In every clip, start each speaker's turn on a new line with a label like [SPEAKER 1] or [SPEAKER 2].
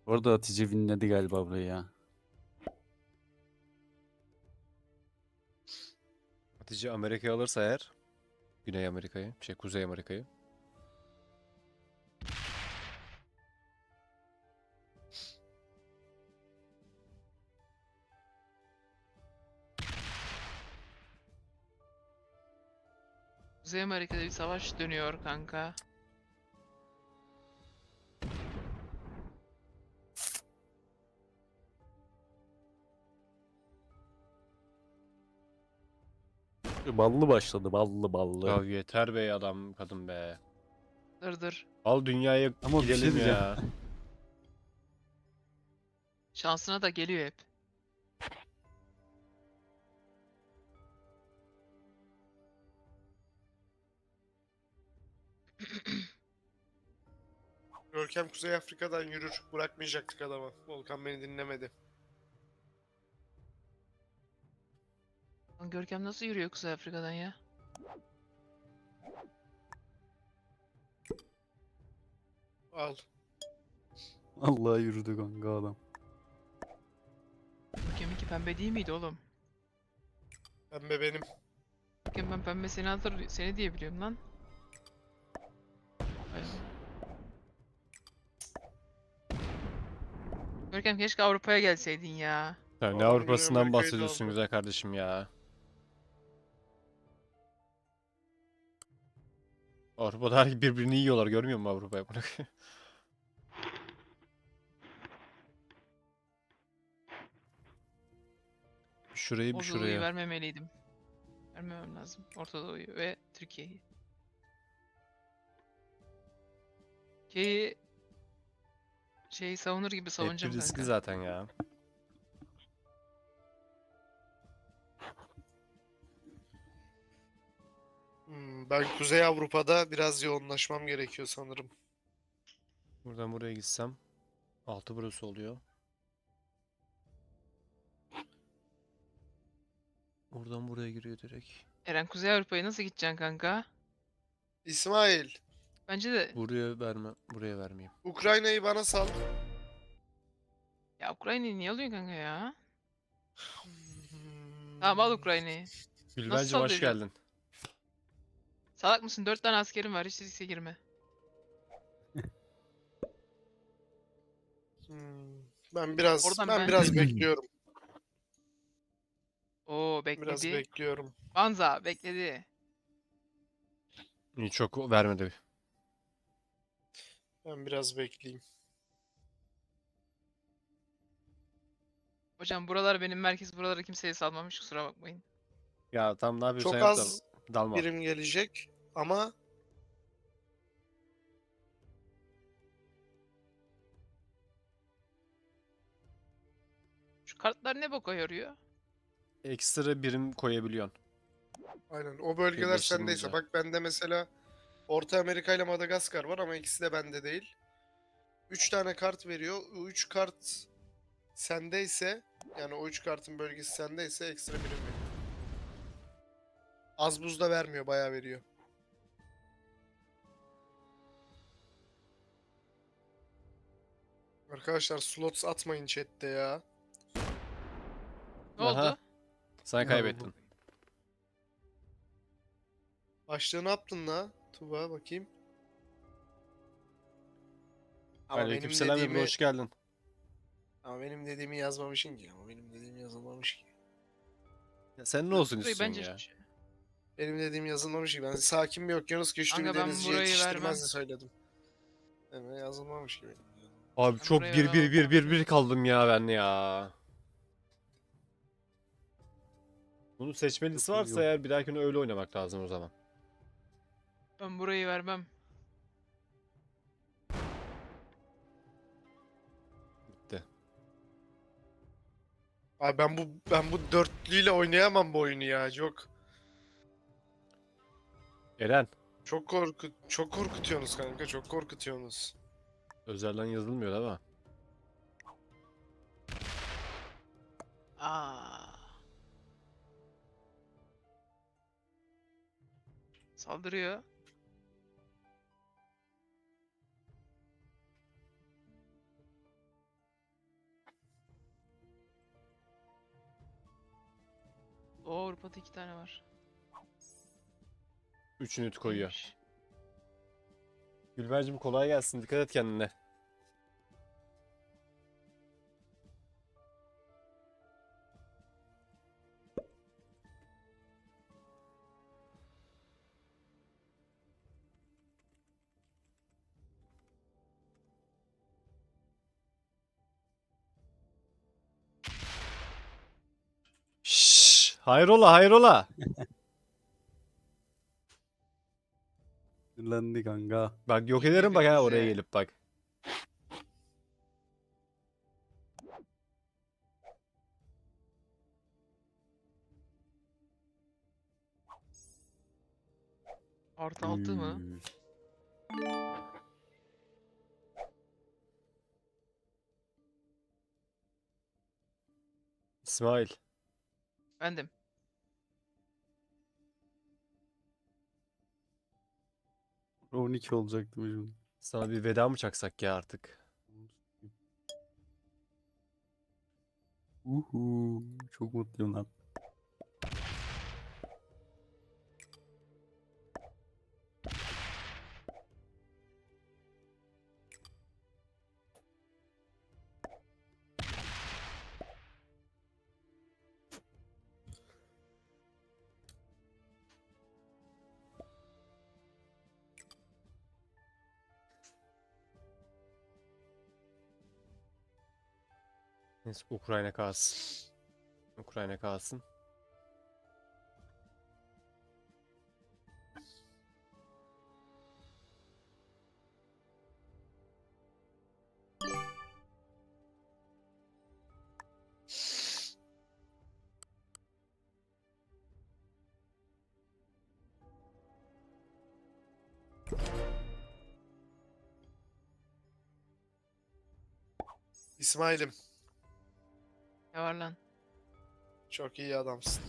[SPEAKER 1] Orada Hatice winledi galiba burayı ya.
[SPEAKER 2] Hatice Amerika'yı alırsa eğer, Güney Amerika'yı, Kuzey Amerika'yı.
[SPEAKER 3] Kuzey Amerika'da bir savaş dönüyor kanka.
[SPEAKER 1] Ballı başladı, ballı ballı.
[SPEAKER 2] Ya yeter be adam kadın be.
[SPEAKER 3] Dır.
[SPEAKER 2] Al dünyaya
[SPEAKER 1] Ama bir şey
[SPEAKER 2] gidelim
[SPEAKER 1] diyeceğim.
[SPEAKER 2] ya.
[SPEAKER 3] Şansına da geliyor hep.
[SPEAKER 4] Görkem Kuzey Afrika'dan yürür. Bırakmayacaktık adamı. Volkan beni dinlemedi.
[SPEAKER 3] Lan Görkem nasıl yürüyor Kuzey Afrika'dan ya?
[SPEAKER 4] Al.
[SPEAKER 1] Allah yürüdü kanka adam.
[SPEAKER 3] Görkem'inki pembe değil miydi oğlum?
[SPEAKER 4] Pembe benim.
[SPEAKER 3] Görkem ben pembe seni diye biliyorum lan. Ay Allah. Görkem keşke Avrupa'ya gelseydin ya.
[SPEAKER 2] Sen ne
[SPEAKER 4] Adam Güney
[SPEAKER 2] Avrupa'sından
[SPEAKER 4] Amerika'yı da
[SPEAKER 2] bahsediyorsun
[SPEAKER 4] aldı.
[SPEAKER 2] güzel kardeşim ya. Avrupa'da her birbirini yiyorlar, görmüyor musun Avrupa'ya? Şurayı bir
[SPEAKER 3] Orta Doğu'yu
[SPEAKER 2] şuraya.
[SPEAKER 3] vermemeliydim. Vermemem lazım. Orta Doğu'yu ve Türkiye'yi. Türkiye'yi şeyi savunur gibi
[SPEAKER 2] Hep bir
[SPEAKER 3] savunacağım
[SPEAKER 2] riskli
[SPEAKER 3] kanka.
[SPEAKER 2] zaten ya.
[SPEAKER 4] Ben Kuzey Avrupa'da biraz yoğunlaşmam gerekiyor sanırım.
[SPEAKER 2] Buradan buraya gitsem. Altı burası oluyor. Buradan buraya giriyor direkt.
[SPEAKER 3] Eren Kuzey Avrupa'ya nasıl gideceksin kanka?
[SPEAKER 4] İsmail,
[SPEAKER 3] Bence de
[SPEAKER 2] Buraya verme, buraya vermeyeyim.
[SPEAKER 4] Ukrayna'yı bana sal.
[SPEAKER 3] ya Ukrayna'yı niye alıyorsun kanka ya? Tamam al
[SPEAKER 4] Hmm,
[SPEAKER 3] Ukrayna'yı. Nasıl
[SPEAKER 2] Gülbencim hoş
[SPEAKER 3] sallayacaksın?
[SPEAKER 2] geldin.
[SPEAKER 3] Salak mısın? 4 tane askerim var. Hiç riske girme.
[SPEAKER 4] hmm. Ben biraz
[SPEAKER 3] Oradan
[SPEAKER 4] ben
[SPEAKER 3] ben...
[SPEAKER 4] biraz bekliyorum.
[SPEAKER 3] Oo
[SPEAKER 4] Biraz
[SPEAKER 3] bekledi.
[SPEAKER 4] bekliyorum.
[SPEAKER 3] Banza bekledi.
[SPEAKER 2] İyi, çok vermedi.
[SPEAKER 4] Ben biraz bekleyeyim.
[SPEAKER 3] Hocam buralar benim merkez. Buralara kimseye salmamış. Kusura bakmayın.
[SPEAKER 2] Ya tam ne yapıyorsan
[SPEAKER 4] Çok
[SPEAKER 2] yap da
[SPEAKER 4] az
[SPEAKER 2] dalma.
[SPEAKER 4] birim gelecek ama
[SPEAKER 3] Şu kartlar ne boka yarıyor?
[SPEAKER 2] Ekstra birim koyabiliyorsun.
[SPEAKER 4] aynen o bölgeler sendeyse.
[SPEAKER 2] Birleştirince.
[SPEAKER 4] Bak bende mesela Orta Amerika ile Madagaskar var ama ikisi de bende değil. 3 tane kart veriyor. O 3 kart sendeyse yani o 3 kartın bölgesi sendeyse ekstra birim veriyor. Az buz da vermiyor, bayağı veriyor. Arkadaşlar slots atmayın chatte ya.
[SPEAKER 3] Ne
[SPEAKER 2] Aha,
[SPEAKER 3] oldu?
[SPEAKER 2] sen
[SPEAKER 1] Ne oldu?
[SPEAKER 2] kaybettin.
[SPEAKER 4] Başlığı ne yaptın la? Tuba bakayım. Ama benim
[SPEAKER 2] Aleykümselam Ebru,
[SPEAKER 4] dediğimi
[SPEAKER 2] hoş geldin.
[SPEAKER 4] yazmamışsın ki. Ama benim dediğimi yazılmamış ki.
[SPEAKER 2] Ya sen ne olsun
[SPEAKER 3] Burayı
[SPEAKER 2] istiyorsun
[SPEAKER 3] bence...
[SPEAKER 2] ya?
[SPEAKER 4] Benim dediğim yazılmamış ki. Ben sakin bir okyanus güçlü bir
[SPEAKER 3] Kanka ben
[SPEAKER 4] denizci
[SPEAKER 3] burayı vermem.
[SPEAKER 4] yetiştirmezdi söyledim. Evet, yazılmamış gibi.
[SPEAKER 2] Abi
[SPEAKER 3] Ben
[SPEAKER 2] çok
[SPEAKER 3] burayı
[SPEAKER 2] bir
[SPEAKER 3] vermem
[SPEAKER 2] bir bir
[SPEAKER 3] ama.
[SPEAKER 2] bir bir kaldım ya ben ya. Bunun seçmelisi
[SPEAKER 1] Yok,
[SPEAKER 2] varsa
[SPEAKER 1] yok.
[SPEAKER 2] eğer bir dahakine öyle oynamak lazım o zaman.
[SPEAKER 3] Ben burayı vermem.
[SPEAKER 2] Bitti.
[SPEAKER 4] Abi ben bu dörtlüyle oynayamam bu oyunu ya.
[SPEAKER 2] Eren,
[SPEAKER 4] Çok korkutuyorsunuz kanka. Çok korkutuyorsunuz.
[SPEAKER 2] özelden yazılmıyor değil mi?
[SPEAKER 3] Aa. Saldırıyor. O Avrupa'da 2 tane var.
[SPEAKER 2] 3 ünit koyuyor.
[SPEAKER 3] Neymiş?
[SPEAKER 2] Gülbercim kolay gelsin. Dikkat et kendine. Şşş, hayrola hayrola.
[SPEAKER 1] Sinirlendi kanka.
[SPEAKER 2] Bak yok
[SPEAKER 3] İyi
[SPEAKER 2] ederim bak ha oraya
[SPEAKER 3] birbirinize.
[SPEAKER 2] gelip bak.
[SPEAKER 3] Artı 6 mı?
[SPEAKER 1] Üy.
[SPEAKER 2] İsmail.
[SPEAKER 3] Bendim.
[SPEAKER 1] Pro 12 olacaktı şimdi.
[SPEAKER 2] Sana bir veda mı çaksak ya artık?
[SPEAKER 1] Uhu. Çok mutluyum lan.
[SPEAKER 2] Neyse Ukrayna kalsın. Ukrayna kalsın.
[SPEAKER 4] İsmail'im
[SPEAKER 3] Ne var lan?
[SPEAKER 4] çok iyi adamsın.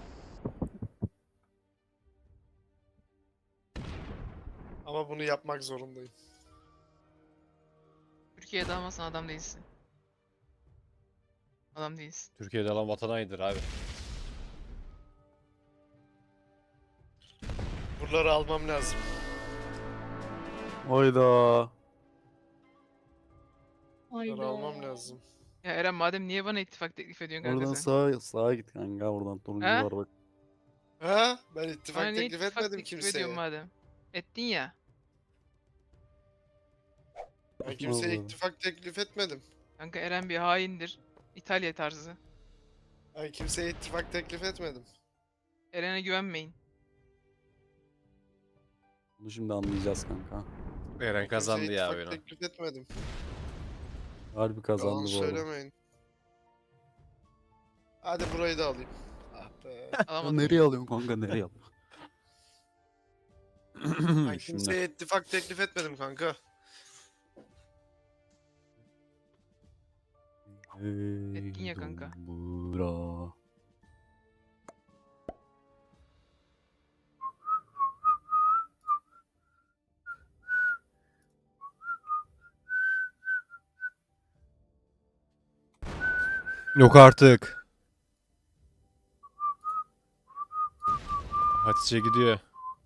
[SPEAKER 4] Ama bunu yapmak zorundayım.
[SPEAKER 3] Türkiye'de almasan adam değilsin. Adam değilsin.
[SPEAKER 2] Türkiye'de alan vatan hainidir abi.
[SPEAKER 4] Buraları almam lazım.
[SPEAKER 1] Hayda.
[SPEAKER 4] Buraları almam lazım.
[SPEAKER 3] Ya Eren madem niye bana ittifak teklif ediyorsun kanka
[SPEAKER 1] Oradan
[SPEAKER 3] sen?
[SPEAKER 1] sağa git kanka. Oradan turuncu
[SPEAKER 3] He?
[SPEAKER 1] var bak.
[SPEAKER 4] Ha? Ben
[SPEAKER 3] Bana
[SPEAKER 4] ittifak
[SPEAKER 3] niye
[SPEAKER 4] teklif
[SPEAKER 3] ittifak
[SPEAKER 4] etmedim
[SPEAKER 3] teklif ediyorsun
[SPEAKER 4] kimseye.
[SPEAKER 3] madem? Ettin ya.
[SPEAKER 4] Ben kimseye
[SPEAKER 1] Vallahi.
[SPEAKER 4] ittifak teklif etmedim.
[SPEAKER 3] Kanka Eren bir haindir. İtalya tarzı.
[SPEAKER 4] Ben kimseye ittifak teklif etmedim.
[SPEAKER 3] Eren'e güvenmeyin.
[SPEAKER 1] Bunu şimdi anlayacağız kanka.
[SPEAKER 2] Eren kazandı
[SPEAKER 4] Kimseye
[SPEAKER 2] ya
[SPEAKER 4] ittifak
[SPEAKER 2] oyunu.
[SPEAKER 4] teklif etmedim.
[SPEAKER 1] Harbi
[SPEAKER 4] Yalan
[SPEAKER 1] kazandı bu arada.
[SPEAKER 4] söylemeyin. Hadi burayı da alayım. Ah be.
[SPEAKER 1] Ya
[SPEAKER 3] Alamadım.
[SPEAKER 1] nereye alıyorsun kanka nereye alıyorsun?
[SPEAKER 4] Ben kimseye ittifak teklif etmedim kanka.
[SPEAKER 3] Ettin ya kanka.
[SPEAKER 1] Bura.
[SPEAKER 2] Yok artık. Hatice gidiyor.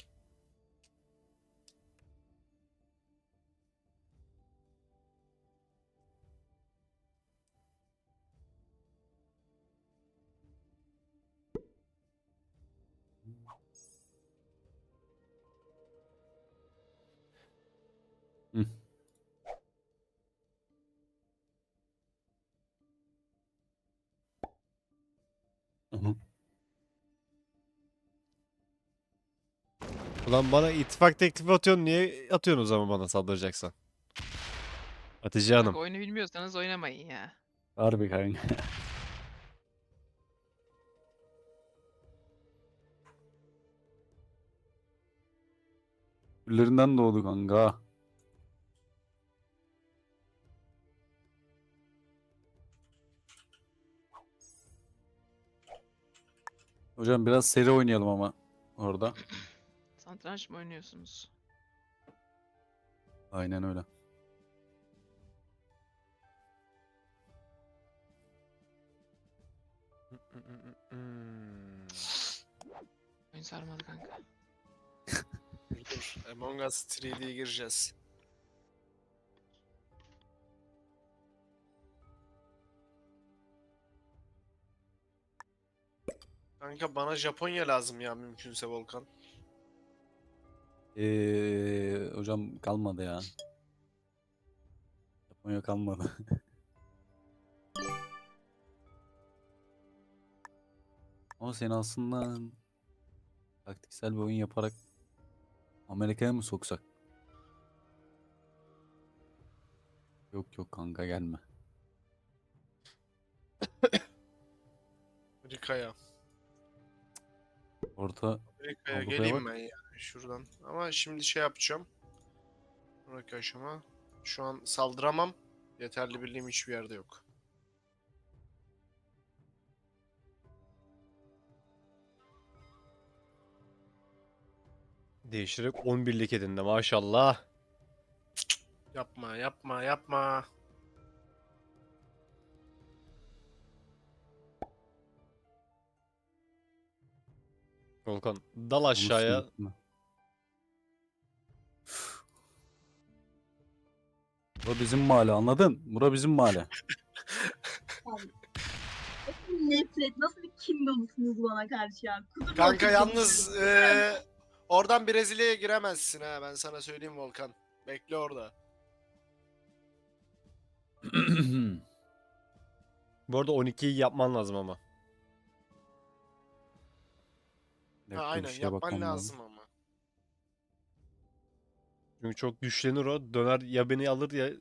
[SPEAKER 1] Hı. Onu.
[SPEAKER 2] Ulan bana ittifak teklifi atıyorsun. Niye atıyorsun o zaman bana saldıracaksan? Hatice Hanım.
[SPEAKER 3] Kanka oyunu bilmiyorsanız oynamayın ya.
[SPEAKER 1] Harbi kanka. Küllerinden doğdu kanka. Hocam biraz seri oynayalım ama orada.
[SPEAKER 3] Satranç mı oynuyorsunuz?
[SPEAKER 1] Aynen öyle.
[SPEAKER 3] oyun sarmadı kanka.
[SPEAKER 4] Dur. Among Us 3D'ye gireceğiz. Kanka bana Japonya lazım ya mümkünse Volkan.
[SPEAKER 1] Hocam kalmadı ya. Japonya kalmadı. Ama seni aslında taktiksel bir oyun yaparak Amerika'ya mı soksak? Yok yok kanka gelme.
[SPEAKER 4] Amerika'ya.
[SPEAKER 1] Orta
[SPEAKER 4] Amerika'ya
[SPEAKER 1] Avrupa'ya
[SPEAKER 4] geleyim
[SPEAKER 1] bak.
[SPEAKER 4] ben ya şuradan. Ama şimdi şey yapacağım. Sonraki aşama. Şu an saldıramam. Yeterli birliğim hiçbir yerde yok.
[SPEAKER 2] Değiştirerek 11'lik edindi maşallah.
[SPEAKER 4] Yapma yapma yapma.
[SPEAKER 2] Volkan dal
[SPEAKER 1] Onu
[SPEAKER 2] aşağıya.
[SPEAKER 1] sildim. Bura bizim mahalle anladın? Bura bizim mahalle.
[SPEAKER 5] Abi. Nasıl bir nefret, nasıl bir kin dolusunuz bana karşı ya. Kudurma
[SPEAKER 4] Kanka
[SPEAKER 5] kudurma.
[SPEAKER 4] yalnız oradan Brezilya'ya giremezsin ha ben sana söyleyeyim Volkan. Bekle orada.
[SPEAKER 2] Bu arada 12'yi yapman lazım ama.
[SPEAKER 1] Bir
[SPEAKER 4] Ha,
[SPEAKER 1] dakika, bir
[SPEAKER 4] aynen
[SPEAKER 1] şeye
[SPEAKER 4] yapman
[SPEAKER 1] bakmam
[SPEAKER 4] lazım ama.
[SPEAKER 2] Çünkü çok güçlenir o. Döner ya beni alır ya...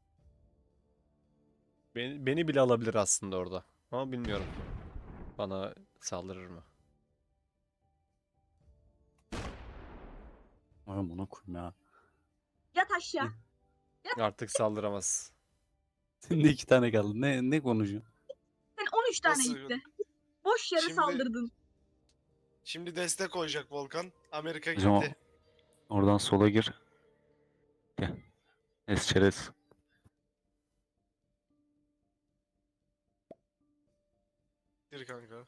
[SPEAKER 2] Beni bile alabilir aslında orada. Ama bilmiyorum. Bana saldırır mı?
[SPEAKER 1] Ay amına koyayım ya.
[SPEAKER 5] Yat aşağı.
[SPEAKER 2] Artık saldıramaz.
[SPEAKER 1] Senin de 2 tane kaldı. Ne konuşuyorsun?
[SPEAKER 5] Sen 13 tane
[SPEAKER 4] Nasıl?
[SPEAKER 5] gitti. Boş yere
[SPEAKER 4] Şimdi-
[SPEAKER 5] saldırdın.
[SPEAKER 4] Şimdi destek olacak Volkan. Amerika
[SPEAKER 1] Hocam
[SPEAKER 4] gitti.
[SPEAKER 1] oradan sola gir. Gel. Esçerez.
[SPEAKER 4] Gir kanka.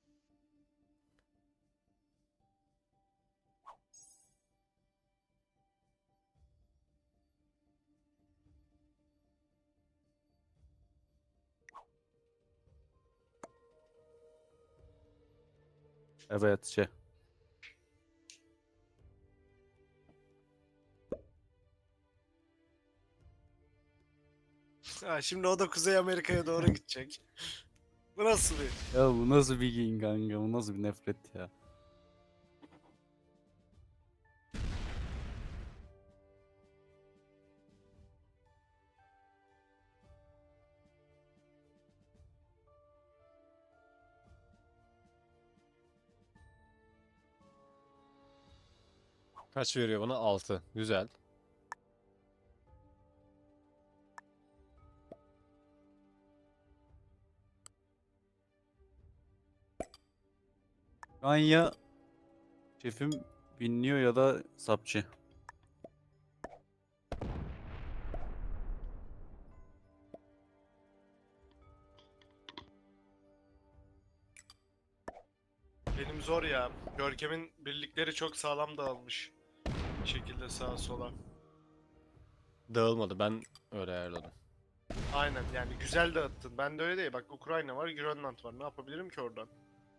[SPEAKER 1] Evet şey.
[SPEAKER 4] Ha, şimdi o da Kuzey Amerika'ya doğru gidecek. Bu nasıl bir?
[SPEAKER 1] Ya bu nasıl bir giyin kanka? Bu nasıl bir nefret ya?
[SPEAKER 2] Kaç veriyor bana? 6. Güzel.
[SPEAKER 1] Şu an ya şefim binliyor ya da sapçı.
[SPEAKER 4] Benim zor ya. Görkem'in birlikleri çok sağlam dağılmış. Bir şekilde sağa sola.
[SPEAKER 2] Dağılmadı. Ben öyle ayarladım.
[SPEAKER 4] Aynen yani güzel dağıttın. Ben de öyle değil. Bak Ukrayna var, Grönland var. Ne yapabilirim ki oradan?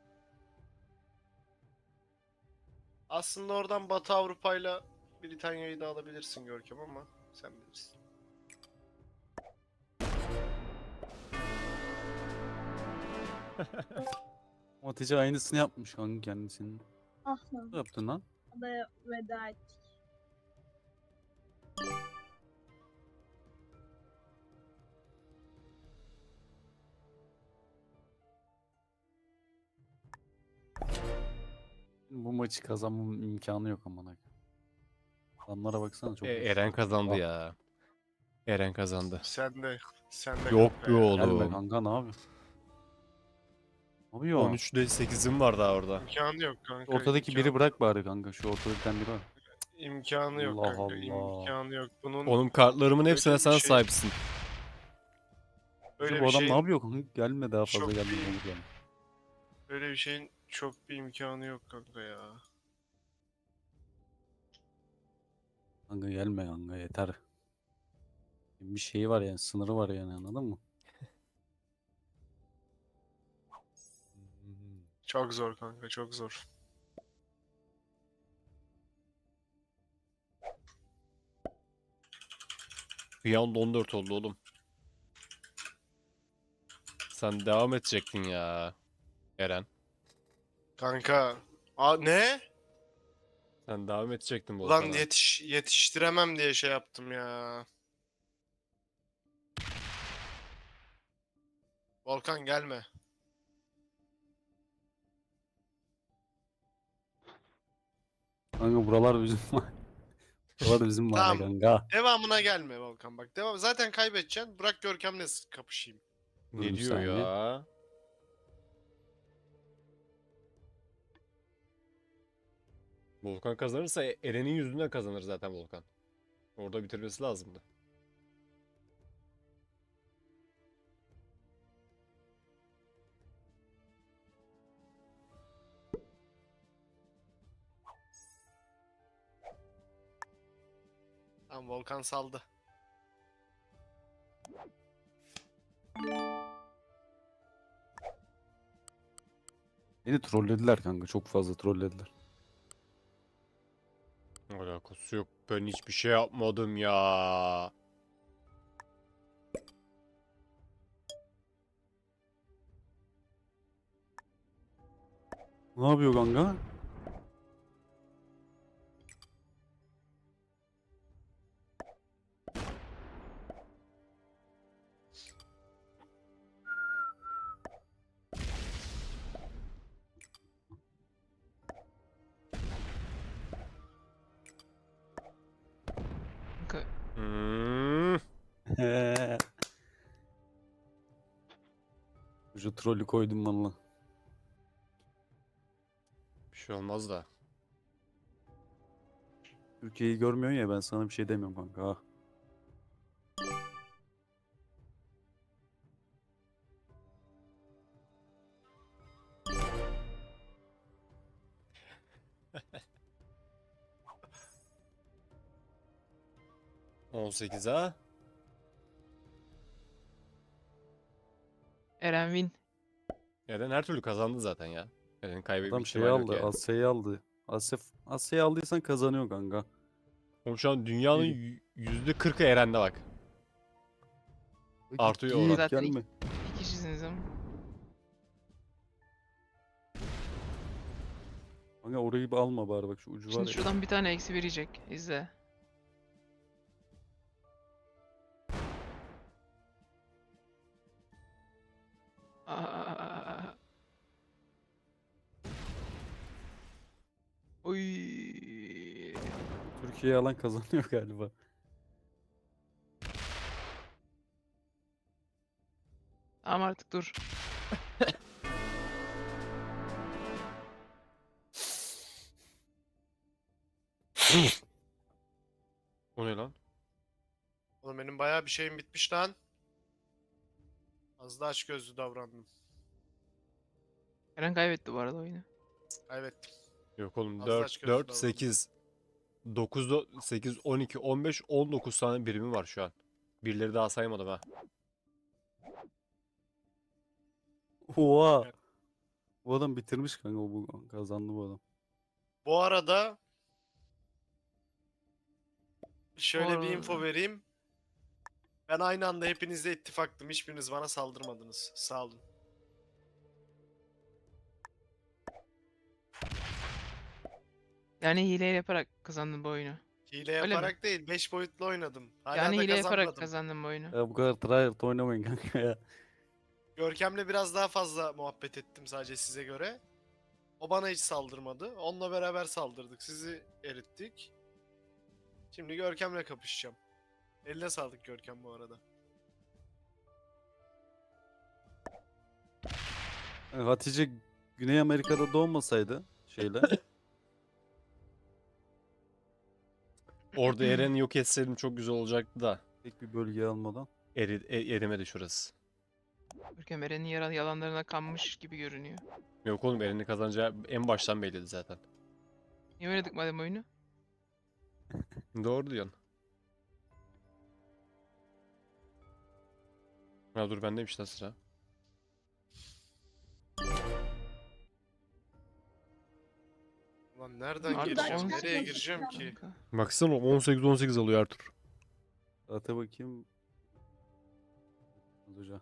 [SPEAKER 4] Aslında oradan Batı Avrupa'yla Britanya'yı da alabilirsin Görkem ama sen bilirsin.
[SPEAKER 1] Matice aynısını yapmış kanka kendisinin.
[SPEAKER 5] Ah lan.
[SPEAKER 1] Ne yaptın lan?
[SPEAKER 5] Adaya veda ettik.
[SPEAKER 1] Bu maçı kazanmam imkanı yok amına. Adamlara baksana çok
[SPEAKER 2] Eren
[SPEAKER 1] güçlü.
[SPEAKER 2] kazandı
[SPEAKER 1] Ah,
[SPEAKER 2] ya. Eren kazandı.
[SPEAKER 4] Sen de
[SPEAKER 2] Yok
[SPEAKER 4] kanka
[SPEAKER 2] be
[SPEAKER 4] ya.
[SPEAKER 1] Gelme
[SPEAKER 2] oğlum.
[SPEAKER 1] kanka ne yapıyorsun? Ne yapıyor?
[SPEAKER 2] 13'de 8'im var daha orada.
[SPEAKER 4] İmkanı yok kanka.
[SPEAKER 1] Ortadaki biri bırak bari kanka. Şu ortada bir tane biri var.
[SPEAKER 4] İmkanı yok
[SPEAKER 1] Allah
[SPEAKER 4] kanka.
[SPEAKER 1] Allah.
[SPEAKER 4] İmkanı yok. Bunun
[SPEAKER 2] Oğlum kartlarımın
[SPEAKER 4] Öyle
[SPEAKER 2] hepsine
[SPEAKER 4] bir
[SPEAKER 2] sen
[SPEAKER 4] şey-
[SPEAKER 2] sahipsin.
[SPEAKER 4] öyle
[SPEAKER 1] bu
[SPEAKER 4] bir
[SPEAKER 1] adam
[SPEAKER 4] şey
[SPEAKER 1] ne yapıyor kanka? Gelme daha fazla
[SPEAKER 4] çok
[SPEAKER 1] gelme.
[SPEAKER 4] iyi.
[SPEAKER 1] olur gelme.
[SPEAKER 4] Böyle bir şeyin çok bir imkanı yok kanka ya.
[SPEAKER 1] Kanka gelme kanka yeter. Bir şeyi var yani, sınırı var yani, anladın mı?
[SPEAKER 4] Çok zor kanka, çok zor.
[SPEAKER 2] Bir anda 14 oldu oğlum. Sen devam edecektin ya. Eren.
[SPEAKER 4] Kanka. Ne?
[SPEAKER 2] Sen devam edecektin
[SPEAKER 4] Ulan
[SPEAKER 2] Volkan'a.
[SPEAKER 4] yetiştiremem diye şey yaptım ya. Volkan gelme.
[SPEAKER 1] Kanka buralar bizim buralar bizim mahalle
[SPEAKER 4] Tamam.
[SPEAKER 1] kanka.
[SPEAKER 4] Devamına gelme Volkan bak. Zaten kaybedeceksin. Bırak Görkem'le kapışayım.
[SPEAKER 1] Dur
[SPEAKER 2] Ne
[SPEAKER 1] bir
[SPEAKER 2] diyor
[SPEAKER 1] saniye.
[SPEAKER 2] ya? Volkan kazanırsa Eren'in yüzünden kazanır zaten Volkan. Orada bitirmesi lazımdı.
[SPEAKER 4] Tamam Volkan saldı.
[SPEAKER 1] Beni trollediler kanka, çok fazla trollediler.
[SPEAKER 2] Alakası yok. Ben hiçbir şey yapmadım ya.
[SPEAKER 1] Ne yapıyor kanka?
[SPEAKER 3] Kanka,
[SPEAKER 2] Hmm.
[SPEAKER 1] Şu trolü koydum valla.
[SPEAKER 2] Bir şey olmaz da.
[SPEAKER 1] Türkiye'yi görmüyorsun ya, ben sana bir şey demiyorum kanka. Ha.
[SPEAKER 2] Ha? 18 ha?
[SPEAKER 3] Eren win.
[SPEAKER 2] Eren her türlü kazandı zaten ya. Eren'in kaybetme
[SPEAKER 1] Adam şeyi
[SPEAKER 2] ihtimali yok
[SPEAKER 1] aldı,
[SPEAKER 2] yani.
[SPEAKER 1] Asya'yı aldı. Asya'yı aldıysan kazanıyor kanka.
[SPEAKER 2] Oğlum şu an dünyanın %40'ı Eren'de bak. Artıyor
[SPEAKER 1] Git,
[SPEAKER 2] oran.
[SPEAKER 3] Zaten
[SPEAKER 1] gelme.
[SPEAKER 3] İki kişisiniz ama.
[SPEAKER 1] Kanka orayı bir alma bari, bak şu ucu var
[SPEAKER 3] Şimdi
[SPEAKER 1] ya.
[SPEAKER 3] şuradan bir tane eksi verecek. İzle. Aa. Oy.
[SPEAKER 1] Türkiye'yi alan kazanıyor galiba.
[SPEAKER 3] Tamam artık dur.
[SPEAKER 2] O ne lan?
[SPEAKER 4] Oğlum benim bayağı bir şeyim bitmiş lan. Az da açgözlü davrandım.
[SPEAKER 3] Eren kaybetti bu arada oyunu.
[SPEAKER 4] Kaybettim.
[SPEAKER 2] Yok oğlum
[SPEAKER 4] Az da
[SPEAKER 2] 4,
[SPEAKER 4] açgözlü
[SPEAKER 2] 4,
[SPEAKER 4] davrandım.
[SPEAKER 2] 8, 9, 8, 12, 15, 19 tane birimi var şu an. Birileri daha saymadım ha.
[SPEAKER 1] Oha.
[SPEAKER 4] Evet.
[SPEAKER 1] Bu adam bitirmiş kanka, bu kazandı bu adam.
[SPEAKER 4] Bu arada şöyle bir
[SPEAKER 3] arada-
[SPEAKER 4] info vereyim. Ben aynı anda hepinizle ittifaktım. Hiçbiriniz bana saldırmadınız. Sağ olun.
[SPEAKER 3] Yani hile yaparak kazandın bu oyunu.
[SPEAKER 4] Hile
[SPEAKER 3] Öyle mi?
[SPEAKER 4] yaparak değil, 5 boyutlu oynadım. Hala
[SPEAKER 3] Yani
[SPEAKER 4] da
[SPEAKER 3] hile yaparak
[SPEAKER 4] kazanmadım.
[SPEAKER 3] kazandın bu oyunu.
[SPEAKER 1] Ya bu kadar tryhard oynamayın kanka ya.
[SPEAKER 4] Görkem'le biraz daha fazla muhabbet ettim sadece size göre. O bana hiç saldırmadı. Onunla beraber saldırdık. Sizi erittik. Şimdi Görkem'le kapışacağım. Eline sağlık Görkem bu arada.
[SPEAKER 1] Yani Hatice Güney Amerika'da doğmasaydı şeyle.
[SPEAKER 2] Orada Eren'i yok etseydim çok güzel olacaktı da.
[SPEAKER 1] Tek bir bölge almadan.
[SPEAKER 2] Erimedi şurası.
[SPEAKER 3] Görkem Eren'in yalanlarına kanmış gibi görünüyor.
[SPEAKER 2] Yok oğlum, Eren'in kazanacağı en baştan belliydi zaten.
[SPEAKER 3] Niye oynadık madem oyunu?
[SPEAKER 2] Doğru diyorsun. Ya dur, bendeymiş lan sıra.
[SPEAKER 4] Lan nereden
[SPEAKER 3] Artık
[SPEAKER 4] gireceğim?
[SPEAKER 3] 18
[SPEAKER 4] Nereye gireceğim ki?
[SPEAKER 3] kanka.
[SPEAKER 2] Baksana 18-18 alıyor Ertuğrul.
[SPEAKER 1] Ata bakayım. Hoca.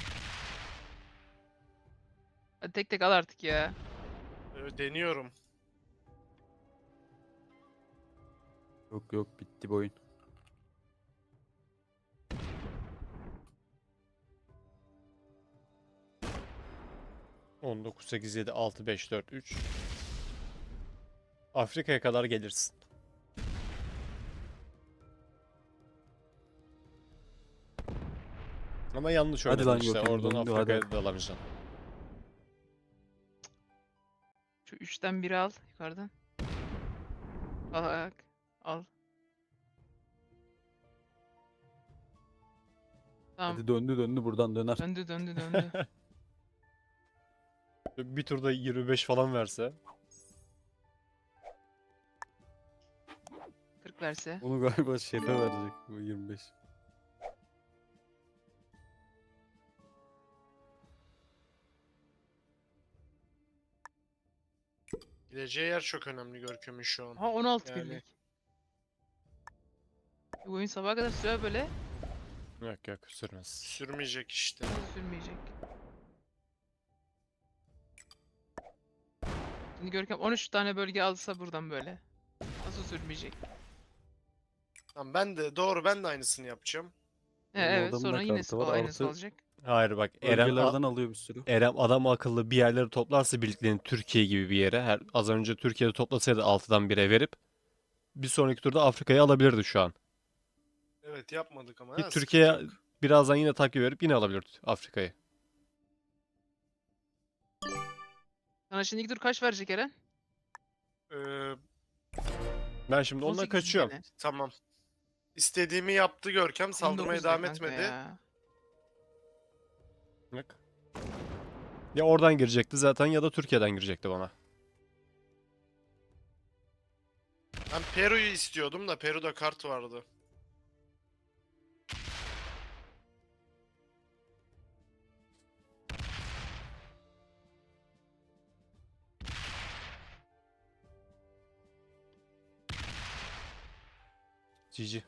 [SPEAKER 3] Hadi tek tek al artık ya.
[SPEAKER 4] Deniyorum.
[SPEAKER 1] Yok yok bitti bu oyun.
[SPEAKER 2] On 9, 8, 7, 6, 5, 4, 3. Afrika'ya kadar gelirsin. Ama yanlış
[SPEAKER 1] Hadi
[SPEAKER 2] oynadın
[SPEAKER 1] lan
[SPEAKER 2] işte.
[SPEAKER 1] Gökhan,
[SPEAKER 2] Oradan
[SPEAKER 1] döndü,
[SPEAKER 2] Afrika'ya
[SPEAKER 1] hadi.
[SPEAKER 2] dalamayacaksın.
[SPEAKER 3] Şu 3'ten biri al yukarıdan. Al. Al. Tamam.
[SPEAKER 1] Hadi döndü buradan döner.
[SPEAKER 3] Döndü.
[SPEAKER 2] Bir turda 25 falan verse.
[SPEAKER 3] 40 verse.
[SPEAKER 1] Onu galiba şefe verecek bu 25.
[SPEAKER 4] Gideceği yer çok önemli Görkem'in şu an.
[SPEAKER 3] Ha 16
[SPEAKER 4] Yani-
[SPEAKER 3] birlik. Bu oyun sabaha kadar sürer böyle.
[SPEAKER 2] Yok sürmez.
[SPEAKER 4] Sürmeyecek işte.
[SPEAKER 3] Nasıl sürmeyecek? Şimdi Görkem 13 tane bölge alsa buradan böyle. Nasıl sürmeyecek?
[SPEAKER 4] Tamam ben de aynısını yapacağım.
[SPEAKER 1] Benim
[SPEAKER 3] Evet
[SPEAKER 1] adamın
[SPEAKER 3] sonra
[SPEAKER 1] da
[SPEAKER 3] yine
[SPEAKER 1] kartı var,
[SPEAKER 3] aynısı
[SPEAKER 1] artı
[SPEAKER 3] olacak.
[SPEAKER 2] Hayır bak,
[SPEAKER 1] Bölgelerden alıyor bir sürü.
[SPEAKER 2] Eren adam akıllı bir yerleri toplarsa birliklerini Türkiye gibi bir yere, az önce Türkiye'de toplasaydı 6'dan 1'e verip bir sonraki turda Afrika'yı alabilirdi şu an.
[SPEAKER 4] Evet yapmadık ama.
[SPEAKER 2] Ki
[SPEAKER 4] ha,
[SPEAKER 2] Türkiye
[SPEAKER 4] sıkıntı yok.
[SPEAKER 2] birazdan yine takip verip yine alabilir Afrika'yı.
[SPEAKER 3] Sana şimdi ilk tur kaç verecek Eren?
[SPEAKER 4] Ee,
[SPEAKER 2] Ben şimdi ondan
[SPEAKER 3] 18
[SPEAKER 2] kaçıyorum.
[SPEAKER 3] gene.
[SPEAKER 4] tamam. İstediğimi yaptı Görkem. Saldırmaya
[SPEAKER 3] 19 de
[SPEAKER 4] devam
[SPEAKER 3] kanka
[SPEAKER 4] etmedi.
[SPEAKER 3] ya.
[SPEAKER 2] Bak. Ya oradan girecekti zaten ya da Türkiye'den girecekti bana.
[SPEAKER 4] Ben Peru'yu istiyordum da Peru'da kart vardı.
[SPEAKER 2] GG.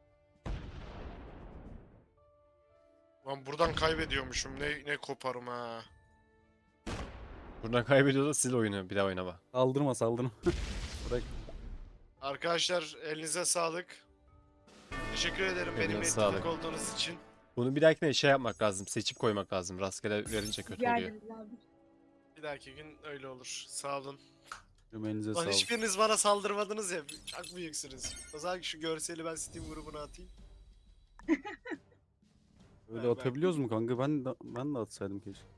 [SPEAKER 4] Lan buradan kaybediyormuşum. Ne koparım ha.
[SPEAKER 2] Buradan kaybediyorsa sil oyunu, bir daha oynama.
[SPEAKER 1] Saldırma. Bırak.
[SPEAKER 4] Arkadaşlar elinize sağlık. Teşekkür ederim
[SPEAKER 2] Eline
[SPEAKER 4] benimle
[SPEAKER 2] sağlık.
[SPEAKER 4] ittifak olduğunuz için.
[SPEAKER 2] Bunu bir dahakine şey yapmak lazım. Seçip koymak lazım. Rastgele verince kötü
[SPEAKER 5] Rica
[SPEAKER 2] oluyor.
[SPEAKER 5] ederiz abi.
[SPEAKER 4] Bir dahaki gün öyle olur. Sağ olun.
[SPEAKER 1] Elinize
[SPEAKER 4] Lan
[SPEAKER 1] sağlık.
[SPEAKER 4] hiçbiriniz bana saldırmadınız ya. Çok büyüksünüz. O zaman şu görseli ben Steam grubuna atayım.
[SPEAKER 1] Öyle atabiliyoruz mu kanka? Ben de atsaydım keşke.